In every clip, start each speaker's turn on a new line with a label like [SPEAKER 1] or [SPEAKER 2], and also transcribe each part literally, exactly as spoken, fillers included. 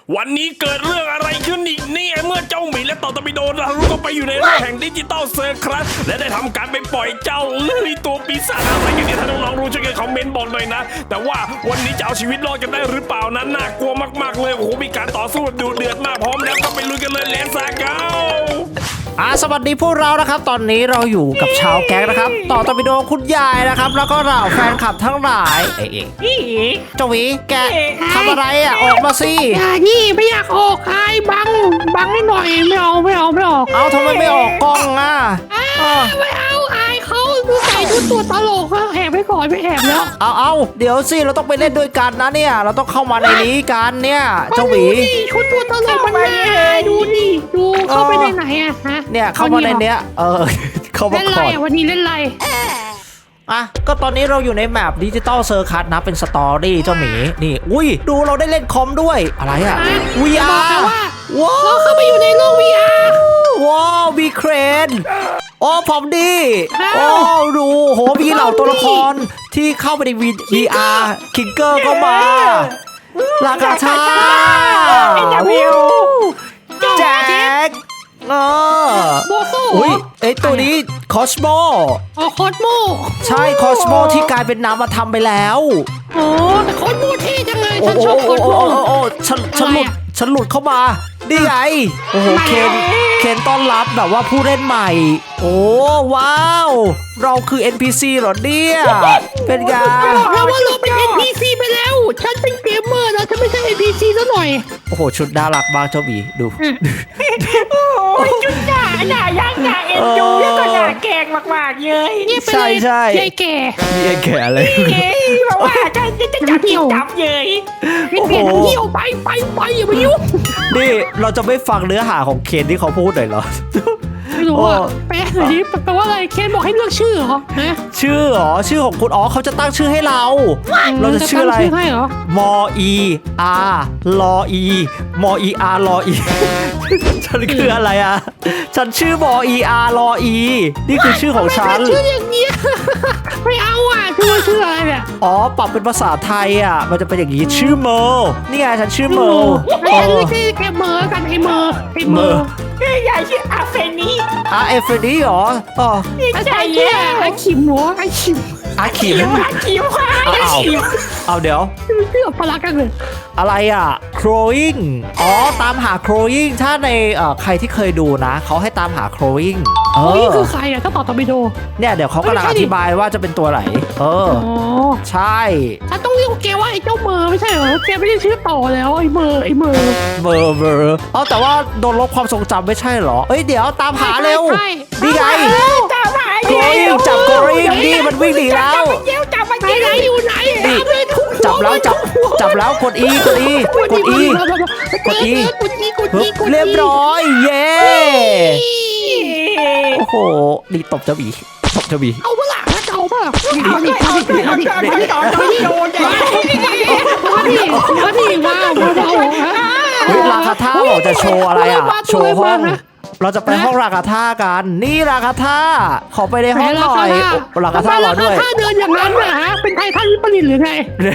[SPEAKER 1] วันนี้เกิดเรื่องอะไรขึ้นอีกนี่เมื่อเจ้าหมีและต่อตะบิโดนรู้ก็ไปอยู่ในโลกแห่งดิจิตอลเซอร์ครับและได้ทำการไปปล่อยเจ้าเอ้ยตัวปีศาจอะไรกันเนี่ยถ้าน้องๆรู้ช่วยกันคอมเมนต์บอกหน่อยนะแต่ว่าวันนี้จะเอาชีวิตรอดกันได้หรือเปล่านั้นน่ากลัวมากๆเลยโอ้โหมีการต่อสู้แบบดุเดือดมากพร้อมแล้วก็ไปลุยกันเลยเลนซาเก้า
[SPEAKER 2] อ่าสวัสดีพวกเรานะครับตอนนี้เราอยู่กับชาวแก๊งนะครับต่อตะบิโดคุณยายนะครับแล้วก็เราแฟนคลับทั้งหลายเอ๊ะเจ้าหวีแกทำอะไรอ่ะออกมาสิ
[SPEAKER 3] อย่านี่ไม่อยากออกใครบังบังให้หน่อยไม่เอาไม่เอาไม่ออก
[SPEAKER 2] เอาทำไมไม่ออกกล้องอ่ะ
[SPEAKER 3] ไม่เอาอายเขาดูใส่ชุดตัวตลกเขาแอบไปก่อนไม่แอบแล้ว
[SPEAKER 2] เอาเอาเดี๋ยวสิเราต้องไปเล่นด้วยกันนะเนี่ยเราต้องเข้ามาในนี้กันเนี่ยเจ้าหวี
[SPEAKER 3] ชุดตัวตลกมันไม่ดูนี่ดูเข้าไปในไหนอะฮะ
[SPEAKER 2] เนี่ยเข้ามาในเนี้ยเออเข้ามาก่อน
[SPEAKER 3] เล่นไรวันนี้เล่นไร
[SPEAKER 2] อ่ะก็ตอนนี้เราอยู่ในแมปดิจิตอลเซอร์คัสนะเป็นสตอรี่เจ้าหมีนี่อุ้ยดูเราได้เล่นคอมด้วยอะไรอ่ะ วี อาร์
[SPEAKER 3] ว้าวเราเข้าไปอยู่ในโลก วี อาร์
[SPEAKER 2] ว้าววีเครนโอ้ผมดีโอ้ดูโหมีเหล่าตัวละครที่เข้าไปใน วี อาร์ คิงเกอร์ก็มาลากาชาแจ็คเออ
[SPEAKER 3] โบโซ่
[SPEAKER 2] อุ้ยไอตัวนี้คอสโม
[SPEAKER 3] อ๋อคอสโม
[SPEAKER 2] ใช่คอสโมที่กลายเป็นนามธรรมไปแล้ว
[SPEAKER 3] โอ้แต่คอสโมเท่จังเลยฉันชอบคอสโม
[SPEAKER 2] โอ้ฉันฉันหลุดฉันหลุดเข้ามาดีไงโอ้โหเคนเคนต้อนรับแบบว่าผู้เล่นใหม่โอ้ว้าวเราคือ เอ็น พี ซี เหรอเนี่ยเป็นไง
[SPEAKER 3] เราว่าเราเป็น เอ็น พี ซี ไปแล้วฉันเป็นเกมเมอร์นะฉันไม่ใช่ เอ็น พี ซี ซะหน่อย
[SPEAKER 2] โอ้โหชุดน่ารักมากเจ้าบีดู
[SPEAKER 4] โอ้ยจุดหน้าหน้ายักษ์หน้าเอ็นดูแล้วก็หน้าแกงมากๆเลย
[SPEAKER 2] ใช่ใช่
[SPEAKER 3] ยายแก่
[SPEAKER 2] ยายแก่อะไร
[SPEAKER 4] บอกว่าจะจะจะจับจับเลย
[SPEAKER 3] เป็นเปลี่ยนเที่ยวไปไปไปอย่ามายุ่ง
[SPEAKER 2] นี่เราจะไม่ฟังเนื้อหาของเคนที่เขาพูดหน่อยเหรอ
[SPEAKER 3] ไม่รู้อ่ะแปลหน่อยดิแปลว่าอะไรเคนบอกให้เลือกชื่อเหรอฮะ
[SPEAKER 2] ชื่อเหรอชื่อของคุณอ๋อเขาจะตั้งชื่อให้เราเราจะชื่ออะไรมออีอาร์ลออีมออีอาร์ลออีฉันคืออะไรอ่ะฉันชื่อมออีอาร์ลออีนี่คือชื่อของฉัน
[SPEAKER 3] ชื่ออย่างนี้ไม่เอาอ่ะชื่อชื่ออะไรเนี่ย
[SPEAKER 2] อ๋อปรับเป็นภาษาไทยอ่ะมันจะเป็นอย่างนี้ชื่อเมอร์นี่ไงฉันชื่อเมอร์
[SPEAKER 3] ฉันไม่ใช่แค่เมอร์กันไอเมอร์ไอเมอร์
[SPEAKER 4] ยายชื่ออาเฟนี
[SPEAKER 2] อาเอฟนีเหรออ๋อ
[SPEAKER 3] ใช่แย่ไอขิมหัวไอขิม
[SPEAKER 2] อาขิม
[SPEAKER 4] อาขิมอาขิม
[SPEAKER 2] เอาเดี๋ยว
[SPEAKER 3] เรื่องพลักกันเลย
[SPEAKER 2] อะไรอ่ะ crowing อ๋อตามหา crowing ถ้าในเอ่อใครที่เคยดูนะเขาให้ตามหา crowing
[SPEAKER 3] เออนี่คือใครอ่ะถ้าต่อตอร์ปิโด
[SPEAKER 2] เนี่ยเดี๋ยวเขากำลังอธิบายว่าจะเป็นตัวไหนเออใช่
[SPEAKER 3] ฉันต้องเรียกแกว่าไอ้เจ้าเมอร์ไม่ใช่เหรอแกไม่ได้ชื่อต่อแล้วไอ้เมอร์ไอ้เมอร์
[SPEAKER 2] เมอร์เมอร์เอาแต่ว่าโดนลบความทรงจำไม่ใช่เหรอเอ้ยเดี๋ยวตามหาเร็วดีไง
[SPEAKER 4] ตามหา
[SPEAKER 2] crowing จับ crowing ดิมันวิ่งหนีแล้ว
[SPEAKER 4] จับมัน
[SPEAKER 3] ไหนอยู่ไหน
[SPEAKER 2] จับแล้วจับจับแล้วกด E กด E กด E กด E
[SPEAKER 3] กด E กด E
[SPEAKER 2] เรียบร้อยเย้โอ้โหดีตบเจ้าบีตบเจ้าบี
[SPEAKER 3] เอาเปล่าเอาเปล่าเอาดิเอาดิเอาดิเอาดิเอาดิเอาดิเอาดิเอาดิว้าวว้าว
[SPEAKER 2] ราคาท่าบอกจะโชว์อะไรอ่ะโชว์ห้องเราจะไปห้องราคาท่ากันนี่ราคาท่าขอไปในห้องหน่อยราคาท่ารอด้วย
[SPEAKER 3] ราคาท่าเดินอย่างนั้นเหรอฮะเป็นไททันวิปริตหรือไง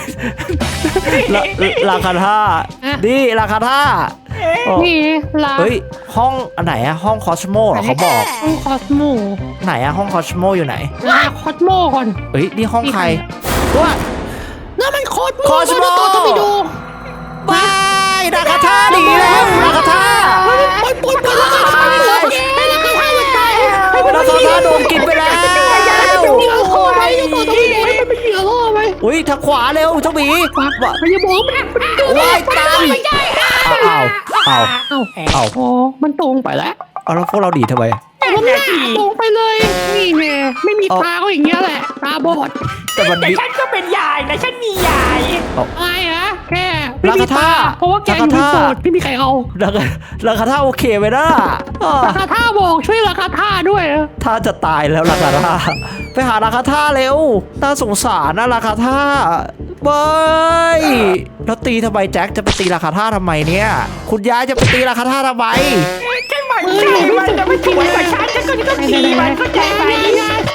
[SPEAKER 2] ราคาท่านี่ราคาท่า
[SPEAKER 3] นี่รา
[SPEAKER 2] เฮ้ยห้องอันไหนอะห้องคอสโมเหรอเขาบอก
[SPEAKER 3] ห้องคอสโม
[SPEAKER 2] ไหนอะห้องคอสโมอยู่ไหน
[SPEAKER 3] ลาคอสโมก่อน
[SPEAKER 2] เฮ้ยนี่ห้องใครว่า
[SPEAKER 3] นั่นมันคอสโมคอสโมต้องไปดู
[SPEAKER 2] บายราคาท่าดีแล้วราคาท่า
[SPEAKER 3] ปล่อยปล่อยปล่อยราคาท่าเลยให้ราคาท่ามันตาย
[SPEAKER 2] ให้ราคาท่าโดนกินไปแล้ว
[SPEAKER 3] เป็นเหยื่อล่อไหมต่อต้องไปดูให้มันเป็นเหยื่อล่อไหม
[SPEAKER 2] อุ้ยทางขวาเร็วเจ้าหมี
[SPEAKER 3] ว่าอย่าบอกมัน
[SPEAKER 2] ว่ายตามอ้าวอ้าว
[SPEAKER 3] อ้าวอ้าวอ๋อมันตรงไปแล้ว
[SPEAKER 2] เอาแล้วพวกเราดีทำไม
[SPEAKER 3] แต่มันหน้าตรงไปเลยนี่แน่ไม่มีตาก็อย่างเงี้ยแหละตาบอด
[SPEAKER 4] แต่ฉันก็เป็นยายนะฉันมียาย
[SPEAKER 3] อะไรฮะแค่ไม่มีตาเพราะว่าแกอยู่โสดไม่มีใครเอา
[SPEAKER 2] ราคาราคาท่าโอเคไหมนะ
[SPEAKER 3] ราคาท่าบอกช่วยราคาท่าด้วย
[SPEAKER 2] ถ้าจะตายแล้วราคาท่าไปหาราคาท่าเร็วน่าสงสารนะราคาท่าเบ้ยแล้วตีทำไมแจ็คจะไปตีราคาท่าทำไมเนี่ยคุณยายจะไปตีราคาท่าทำไม
[SPEAKER 4] แค่มันใช่มันจะไม่ช่วยกับฉันฉันก็ต้องตีมันก็ใจไหม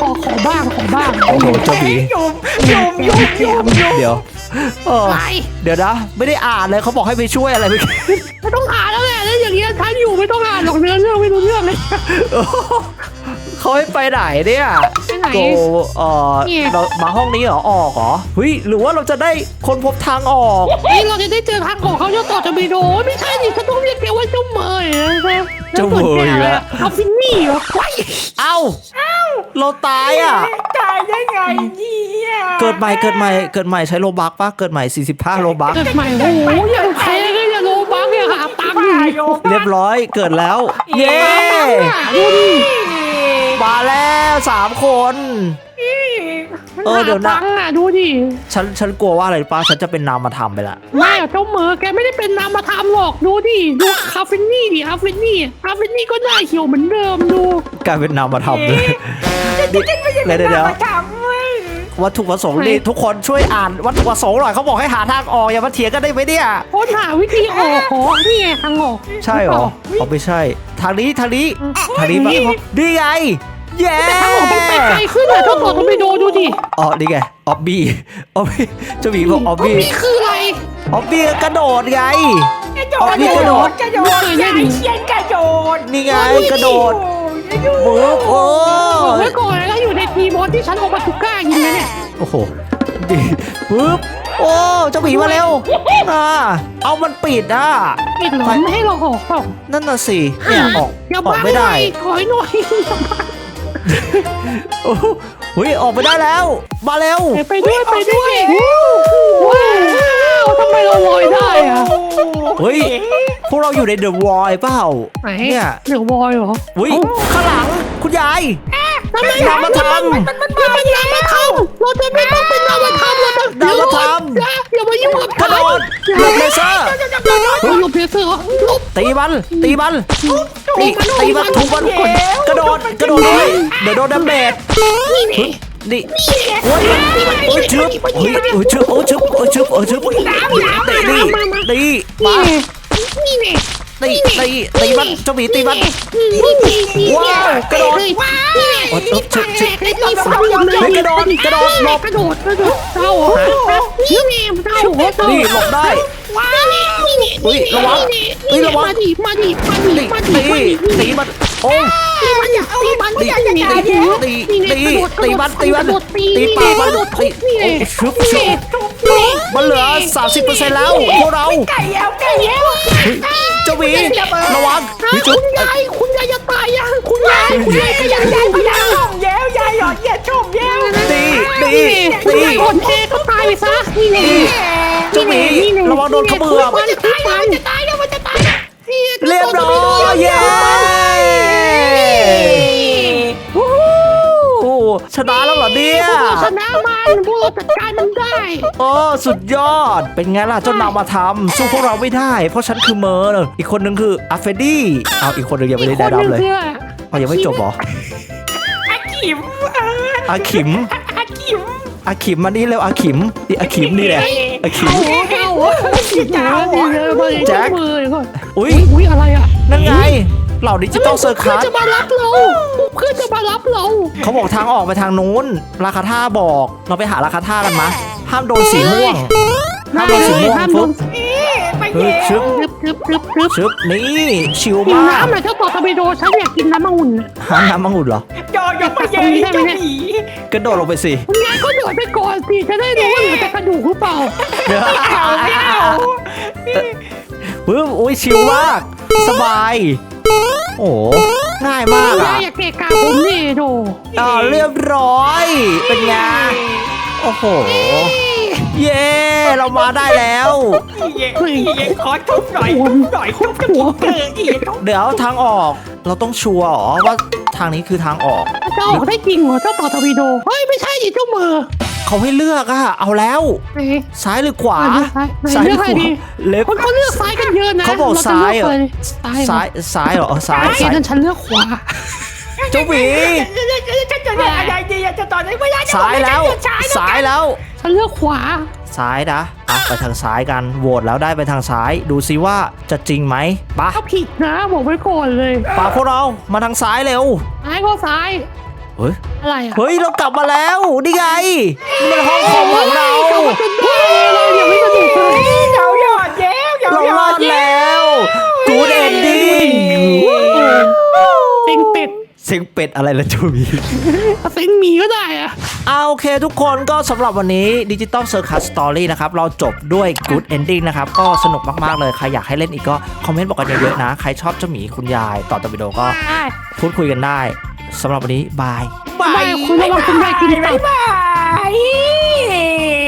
[SPEAKER 3] ขอขอบ้างขอบ้าง
[SPEAKER 2] โอ้โหเจ้าหมี
[SPEAKER 4] ยุ่มยุ่มยุ่มยุ่มยุ่ม
[SPEAKER 2] เดี๋ยวเออ
[SPEAKER 3] อะไร
[SPEAKER 2] เดี๋ยวนะไม่ได้อ่านเลยเขาบอกให้ไปช่วยอะไรไป
[SPEAKER 3] ไม่ต้องอ่านแล้วแหละแล้วอย่างเงี้ยฉันอยู่ไม่ต้องอ่านหรอกเนื้อเรื่องไม่รู้เรื่องเลย
[SPEAKER 2] เขาให้ไปไหนเนี่ย
[SPEAKER 3] ไปไหน
[SPEAKER 2] โกเออ
[SPEAKER 3] เนี่ย
[SPEAKER 2] เรามาห้องนี้เหรอออกเหรอเฮ้ยหรือว่าเราจะได้คนพบทางออก
[SPEAKER 3] นี่เราจะได้เจอทางของเขาเจ้าต่อจะไปโดนไม่ใช่ดิฉันต้องเรียกแกว่าเจ้าเมย์นะ
[SPEAKER 2] เจ้าเมย์อีกแล้ว
[SPEAKER 3] เอาฟินนี่เหรอว้าย
[SPEAKER 2] เอ้าเราตายอ่ะ
[SPEAKER 4] ตายได้ไงเนี่ย
[SPEAKER 2] เกิดใหม่เกิดใหม่เกิดใหม่ใช้โลบักปะเกิดใหม่สี่สิบห้าโลบัก
[SPEAKER 3] เกิดใหม่โอ้โหอย่างแพงเลยอย่าโลบังเนี่ยหาตังค์
[SPEAKER 4] ตาย
[SPEAKER 3] อยู่
[SPEAKER 4] โย
[SPEAKER 2] เรียบร้อยเกิดแล้ว เย้
[SPEAKER 3] ดูดิ
[SPEAKER 2] มาแล้วสามคน เออเดี๋ยวนะ
[SPEAKER 3] หาตังค์อ่ะดูดิ
[SPEAKER 2] ฉันฉันกลัวว่าอะไรป้าฉันจะเป็นนามธรรมไปละ
[SPEAKER 3] ไม่อะเจ้าเหมอแกไม่ได้เป็นนามธรรมหรอกดูดิดูคาเฟนี่ดิคาเฟนี่คาเฟนี่ก็หน้าเขียวเหมือนเดิมดู
[SPEAKER 2] กลายเป็นนามธรรมเลย
[SPEAKER 4] จะจะไม่ใช่
[SPEAKER 2] เดี๋ยวเดี๋ยวเดี๋ยว
[SPEAKER 4] มาทำเว้ย
[SPEAKER 2] วัตถุประสงค์นี่ทุกคนช่วยอ่านวัตถุประสงค์หน่อยเขาบอกให้หาทางออกอย่ามาเถียงกันได้ไหมเนี่ย
[SPEAKER 3] ค้นหาวิธีออกขอนี่ไงทางออก
[SPEAKER 2] ใช่เหรอเขาไม่ใช่ ทางนี้ทางนี้ทางนี้ปะนี่ไงเย้
[SPEAKER 3] แต่ทางออกมันไปไกลขึ้นอะเจ้าต่อต้องไปดูดูดิ
[SPEAKER 2] อ๋อนี่ไงออบบี้ออบบี้เจ้าหมีบอกออบบี้
[SPEAKER 3] นี่คืออะไร
[SPEAKER 2] ออบบี้กระโดดไง
[SPEAKER 4] กระโด
[SPEAKER 2] อ๋อ
[SPEAKER 4] ด
[SPEAKER 2] นี่
[SPEAKER 4] ก
[SPEAKER 2] ก
[SPEAKER 4] ระ
[SPEAKER 2] ระ
[SPEAKER 4] โด
[SPEAKER 2] โด
[SPEAKER 4] ด
[SPEAKER 2] ด
[SPEAKER 4] กระโดดยายเชียนกระโดด
[SPEAKER 2] นี่ไงกระโดด
[SPEAKER 4] โอ้
[SPEAKER 2] ปุ๊บโอ้
[SPEAKER 3] บอกไว้ก่อนนะอยู่ในทีมบอสที่ฉันเอามาทุก้ายิงนะเนี่ย
[SPEAKER 2] โอ้โหดีปุ๊บโอ้เจ้าหมีมาเร็วอ่าเอามันปิดอ่ะ
[SPEAKER 3] ปิดหรอไม่ให้เราออกหรอก
[SPEAKER 2] นั่นน่ะสิเนี่ยออก
[SPEAKER 3] อย่า
[SPEAKER 2] ออกไม่ได้
[SPEAKER 3] ถอยหน่อย
[SPEAKER 2] โอ้โหเฮ้ยออกไปได้แล้ว มาเร็ว
[SPEAKER 3] ไปด้วยไปด้วยว้าวทำไมเราลอยได้อะ
[SPEAKER 2] เฮ้ยพวกเราอยู่ในเดอะวอลเปล่า
[SPEAKER 3] ไหน
[SPEAKER 2] เนี่ย
[SPEAKER 3] เดี๋ยวบอยเหรอ
[SPEAKER 2] เฮ้ยข้างหลังคุณยาย
[SPEAKER 3] ทำไม
[SPEAKER 2] นามธรรม
[SPEAKER 3] มันมันเป็นนามธรรมเราจะไม่ต้องเป็นนามธรรมเราจะ
[SPEAKER 2] นามธรรม
[SPEAKER 3] อย่ามายุ่งกับ
[SPEAKER 2] กระโดดหลบเลเซอร์
[SPEAKER 3] หลบเลเซอร์หลบ
[SPEAKER 2] ตีมันตีมันตีตีมันทุบมันกระโดดกระโดดด้วยเดี๋ยวโดนดาเมจ
[SPEAKER 3] นี่นี่
[SPEAKER 2] นี่โอ้ยโอ้ยชึบเฮ้ยโอ้ยชึบโอ้ยชึบโอ้ยชึบโอ้ยชึบตีตีตีมา
[SPEAKER 3] นี่นี่
[SPEAKER 2] ตีตีตีมันเจ้าหมีตีมันว้าวกระโดดโอ้ยชึบชึบ
[SPEAKER 3] กระโดดกระโดดกระโดดหลบกระโดดกระโดดเจ้านี่นี่เจ้า
[SPEAKER 2] นี่หลบได้
[SPEAKER 3] ว้าวนี่นี่
[SPEAKER 2] อุ้ยระวังอุ้ยระวัง
[SPEAKER 3] มาดิมาดิมาดิ
[SPEAKER 2] ตี
[SPEAKER 3] มาดิ
[SPEAKER 2] ตีตีมันโอ้
[SPEAKER 3] ตีมันอย่าตีมัน
[SPEAKER 2] ตีตีตีตีตีตีมันตีมันตีปากมันตีโอ้ชึบชึบมันเหลือสามสิบเปอร์เซ็นต์แล้วพวกเรา
[SPEAKER 4] ไก่แล้วไก่แล้ว
[SPEAKER 2] เจ้าหมีระวัง
[SPEAKER 3] คุณยายคุณยายจะตายยังคุณยายคุณยายขยัน
[SPEAKER 4] ยาย
[SPEAKER 3] คุณ
[SPEAKER 4] ยาย
[SPEAKER 3] าย
[SPEAKER 4] ชมแย้วยายหยอดเหยียดชมแย้ว
[SPEAKER 2] ตีตี
[SPEAKER 3] คุณ
[SPEAKER 2] ตี
[SPEAKER 3] ยายอ่อนแอก็ตายไปซะนี่ไง
[SPEAKER 2] เจ้าหมีระวังโดนขมือบ
[SPEAKER 3] มันจะตายมันจะตายแล้วมันจะตายแล้ว
[SPEAKER 2] เรียบร้อยเย้โอ้ชนะแล้วเหรอเนี่ย
[SPEAKER 3] ชนะมันพวกเราจัดการมันได้
[SPEAKER 2] โอ้สุดยอดเป็นไงล่ะเจ้านามธรรมสู้พวกเราไม่ได้เพราะฉันคือเมอร์อีกคนนึงคืออาเฟดี้เอาอีกคนนึงยังไม่ได้ได้รับเลยเอายังไม่จบเหรอ
[SPEAKER 4] อาขิม
[SPEAKER 2] อาขิม
[SPEAKER 4] อาขิม
[SPEAKER 2] อาขิมมานี่เร็วอาขิมนี่อาขิมนี่แหละอาขิม
[SPEAKER 3] โอ้โหเก้าโอ้โหเจ้าแจ็คมือก่อน
[SPEAKER 2] อุ้ย
[SPEAKER 3] อุ้ยอะไรอ่ะ
[SPEAKER 2] นั่นไงเหล่าดิจิตอลเซอร์คั
[SPEAKER 3] เพื่อน
[SPEAKER 2] ส
[SPEAKER 3] จะมารับเราเพื่อนจะมารับเรา
[SPEAKER 2] เขาบอกทางออกไปทางนู้นราคาท่าบอกเราไปหาราคาท่ากันมะห้ามโดนสีม่วงห้ามโดนสีม่วง
[SPEAKER 3] ห้ามโด
[SPEAKER 2] ฟึ๊
[SPEAKER 3] น
[SPEAKER 2] บ
[SPEAKER 4] ไป
[SPEAKER 2] เฮ้ย
[SPEAKER 4] แย้
[SPEAKER 2] ชึบ
[SPEAKER 3] กรึบกรึบกรึบกรึบ
[SPEAKER 2] ชึบนี่ชิล
[SPEAKER 3] กิน
[SPEAKER 2] มาก
[SPEAKER 3] น้ำหน่อยเจ้าต่อตะไปโดฉันอยากกินน้ำองุ่น
[SPEAKER 2] หาน้ำมังุ่นเหรอ
[SPEAKER 4] ยอยกไปแย้เจ้าหมี
[SPEAKER 2] กระโดดลงไปสิ
[SPEAKER 3] คุณยายก็โดดไปก่อนสิจะได้รู้ว่าเหลือแต่กระดูกหรือเปล่า
[SPEAKER 2] เดี๋ยว
[SPEAKER 4] เอาไม่เอา
[SPEAKER 2] ปึ๊บอุ้ยชิลมากสบายโอ้ง่ายมาก
[SPEAKER 3] คุณ
[SPEAKER 2] อ่ะ
[SPEAKER 3] ยายอยากเกะกะผมนี่โด
[SPEAKER 2] อ่าเรียบร้อยเป็นไงโอ้โหเย้เรามาได้แล้ว
[SPEAKER 4] เย้เย้ขอทุบหน่อยทุบหน่อยทุบกระปุกเกอร์อีก
[SPEAKER 2] เดี๋ยวทางออกเราต้องชัวร์เหรอว่าทางนี้คือทางออก
[SPEAKER 3] จะออกได้จริงเหรอเจ้าต่อตะวีโดเฮ้ยไม่ใช่ดิเจ้ามือ
[SPEAKER 2] เขาให้เลือกอะเอาแล้ว
[SPEAKER 3] ไหน
[SPEAKER 2] ซ้ายหรือขวา
[SPEAKER 3] ไหนเลือกใครดี
[SPEAKER 2] เล็บ
[SPEAKER 3] คนเขาเลือกซ้ายกันเยอะนะ
[SPEAKER 2] เขาบอกซ้ายเหรอ
[SPEAKER 3] ซ้าย
[SPEAKER 2] ซ้ายซ้ายเหรอซ้าย
[SPEAKER 3] ซ้าย
[SPEAKER 2] ซ้าย
[SPEAKER 3] นั่นฉันเลือกขวา
[SPEAKER 2] เจ้าหวี
[SPEAKER 4] ฉันจะเลือกอะไรดีจะตอนนี้ไม่ได้
[SPEAKER 2] ซ้ายแล้วซ้ายแล้ว
[SPEAKER 3] ฉันเลือกขวา
[SPEAKER 2] ซ้ายนะอ่ะไปทางซ้ายกันโหวตแล้วได้ไปทางซ้าย ดูซิว่าจะจริงไหมปะ
[SPEAKER 3] ถ้าผิดนะบอกไว้ก่อนเลย
[SPEAKER 2] ปะพวกเรามาทางซ้ายเร็ว
[SPEAKER 3] ซ้ายก็ซ้าย
[SPEAKER 2] เฮ้ย
[SPEAKER 3] อะไรอ่ะ
[SPEAKER 2] เฮ้ยเรากลับมาแล้วนี่ไงนี่มันห้องคอมของเรา
[SPEAKER 3] เป็นพ่อเราอย่าไม่สนุกเลย
[SPEAKER 4] เราหยอดแย้ว
[SPEAKER 2] เรารอดแล้วกูดเอนดิ้ง
[SPEAKER 3] เซ็งเป็ด
[SPEAKER 2] เสียงเป็ดอะไรล่ะจูบี
[SPEAKER 3] เซ็งหมีก็ได้อะ
[SPEAKER 2] เอาโอเคทุกคนก็สำหรับวันนี้ Digital Circus Story นะครับเราจบด้วย Good Ending นะครับก็สนุกมากๆเลยใครอยากให้เล่นอีกก็คอมเมนต์บอกกันเยอะๆนะใครชอบเจ้าหมีคุณยายต่อตวิดีโอก็พูดคุยกันได้สำหรับวันนี้บาย
[SPEAKER 3] ไม่คุณระวังคุณได้คุณ
[SPEAKER 4] บ๊ายบาย